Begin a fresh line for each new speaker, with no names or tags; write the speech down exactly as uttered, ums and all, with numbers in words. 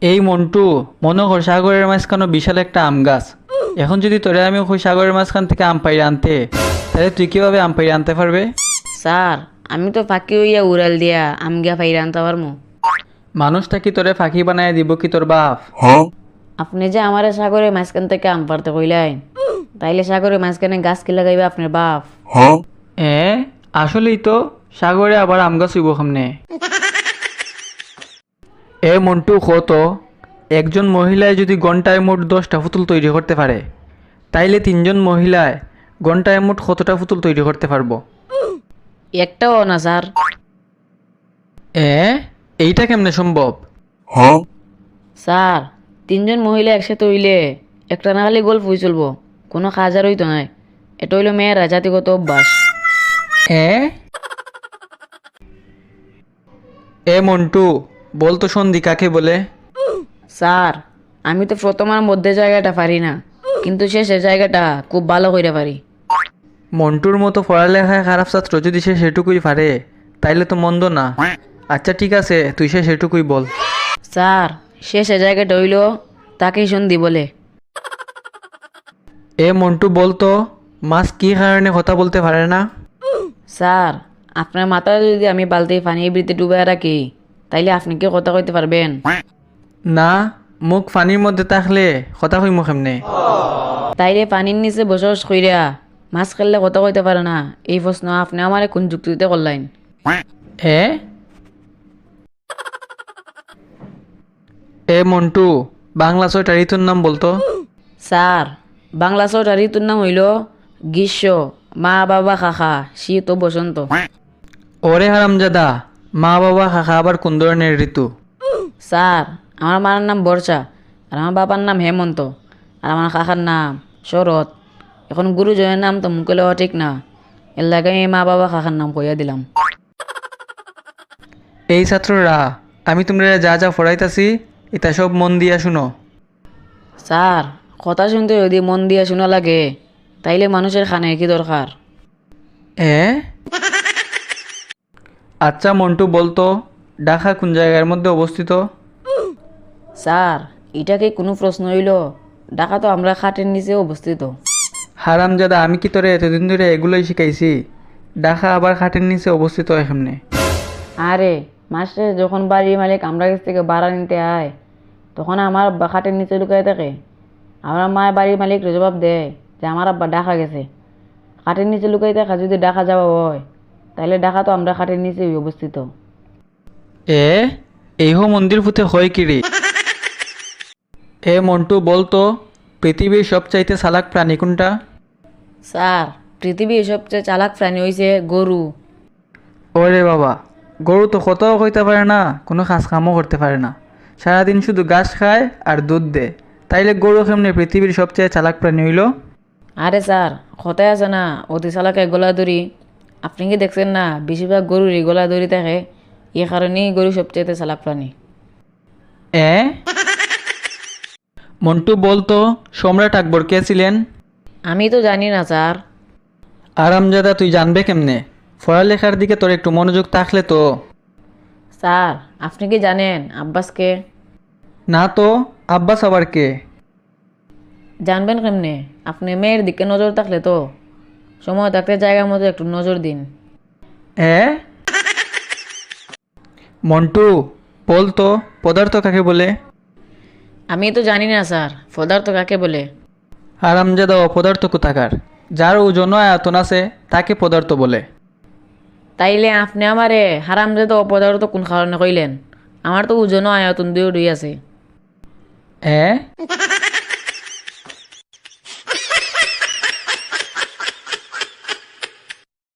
এই মন্টু, মনে কর সাগরের মাঝখানে বিশাল একটা আম গাছ। এখন যদি তোরে আমি ওই সাগরের মাঝখান থেকে আম পাইরে আনতে, তাহলে তুই কিভাবে আম পাইরে আনতে পারবে?
স্যার, আমি তো ফাঁকি হইয়া উড়াল দিয়া আম গিয়া ফাইরা আনতে পারমু।
মানুষটা কি তোরে ফাঁকি বানায় দিব কি তোর বাপ?
আপনি যে আমারে সাগরের মাঝখান থেকে আম পারতে কইলেন, তাইলে সাগরের মাঝখানে গাছ কি লাগাইবে আপনার বাপ?
এ আসলেই তো, সাগরে আবার আম গাছ হইব সামনে। এ মন্টু কত, একজন মহিলায় যদি ঘন্টায় মোট দশটা পুতুল তৈরি করতে পারে, তাইলে তিনজন মহিলায় ঘন্টায় মোট কতটা পুতুল তৈরি করতে পারবো?
একটাও না স্যার।
এ এইটা কেমনে সম্ভব?
স্যার, তিনজন মহিলা একসাথে হইলে একটা না খালি গল্প হয়ে চলবো, কোনো কাজ আর হইতো নাই। এটা হইলো মেয়েরা জাতিগত অভ্যাস।
এ এ মন্টু, বলতো সন্ধি কাকে বলে?
স্যার, আমি তো প্রথম আর মধ্যে জায়গাটা পারি না, কিন্তু শেষের জায়গাটা খুব ভালো কইরা পারি।
মন্টুর মতো পড়ালেখায় খারাপ ছাত্র যদি সে সেটুকুই পারে, তাইলে তো মন্দ না। আচ্ছা ঠিক আছে, তুই সে সেটুকুই বল।
স্যার, শেষের জায়গাটা হইল তাকেই সন্ধি বলে।
এ মন্টু, বলতো মাছ কি কারণে কথা বলতে পারে না?
স্যার, আপনার মাথায় যদি আমি বালতি পানি বৃত্তি ডুবাই রাখি, তাইলে আপনি কি কথা কইতে পারবেন?
না, মুখ পানির মধ্যে থাকলে কথা কইমু কেমনে?
তাইলে পানির নিচে বসবাস কইরা মাছ খেললে কথা কইতে পারে না, এই প্রশ্ন আপনি আমারে কোন যুক্তিতে করলেন?
এ এ মন্টু, বাংলা ছয়টা ঋতুর নাম বলতো।
স্যার, বাংলা ছটা ঋতুর নাম হইল গ্রীষ্ম, মা বাবা কাকা, শীত ও বসন্ত।
ওরে হারামজাদা, মা বাবা কাকা আবার কোন ধরনের ঋতু?
স্যার, আমার মার নাম বর্ষা, আর আমার বাবার নাম হেমন্ত, আর আমার কাকার নাম শরৎ। এখন গুরুজনের নাম তো মুখে লওয়া ঠিক না, এর লাগে আমি মা বাবা কাকার নাম কইয়া দিলাম।
এই ছাত্ররা, আমি তোমরা যা যা পড়াইতাছি এটা সব মন দিয়া শুনো।
স্যার, কথা শুনতে যদি মন দিয়ে শোনা লাগে, তাইলে মানুষের খানে কি দরকার?
এ আচ্ছা মন্টু, বলতো ঢাকা কোন জায়গার মধ্যে অবস্থিত?
স্যার, এটা কি কোনো প্রশ্ন হইল? ঢাকা তো আমরা খাটের নিচে অবস্থিত।
হারামজাদা, আমি কি তোরে এতদিন ধরে এগুলোই শিখাইছি? ঢাকা আবার খাটের নিচে অবস্থিত এখানে?
আরে, মাস্টার যখন বাড়ির মালিক আমরা কাছ থেকে ভাড়া নিতে আয়, তখন আমার আব্বা খাটের নিচে লুকায় থাকে। আমার মায়ের বাড়ির মালিক জবাব দেয় যে আমার আব্বা ঢাকা গেছে। খাটের নিচে লুকাই থাকা যদি ঢাকা যাওয়া হয়, তাহলে ঢাকা তো আমরা খাটের নিচেই অবস্থিত।
এ এইহ মন্দির ফুতে হয় কিরে? এ মন্টু, বলতো পৃথিবীর সবচাইতে চালাক প্রাণী কোনটা?
স্যার, পৃথিবীর সবচেয়ে চালাক প্রাণী হইছে গরু।
ওরে বাবা, গরু তো কতও কইতে পারে না, কোনো কাজ কামও করতে পারে না, সারাদিন শুধু ঘাস খায় আর দুধ দেয়। তাইলে গরু কেমনে পৃথিবীর সবচেয়ে চালাক প্রাণী হইল?
আরে স্যার, কথায় আছে না, অতি চালাকে গলা দড়ি। আপনি কি দেখছেন না, বেশিরভাগ গরুরই গলা দড়ি থাকে। এ কারণেই গরু সবচেয়ে চালাক প্রাণী।
এ মন্টু, বলতো সম্রাট আকবর কে ছিলেন?
আমি তো জানি না স্যার।
আরামজাদা, তুই জানবে কেমনে? পড়ালেখার দিকে তোর একটু মনোযোগ থাকলে তো।
স্যার, আপনি কি জানেন আব্বাসকে?
না তো, আব্বাস আবার কে?
জানবেন কেমনে? আপনি মেয়ের দিকে নজর থাকলে তো। সময় থাকতে জায়গা মতো একটু নজর দিন।
এ মন্টু, বলতো পদার্থ কাকে বলে?
আমি তো জানি না স্যার, পদার্থ কাকে বলে।
আরামজাদা অপদার্থ কোথাকার, যার ওজন ও আয়তন আছে তাকে পদার্থ বলে।
তাইলে আপনি আমারে হারামজাদা অপদার্থ কোন কারণে কইলেন? আমার তো ওজন ও আয়তন দুই দুই আছে।
এ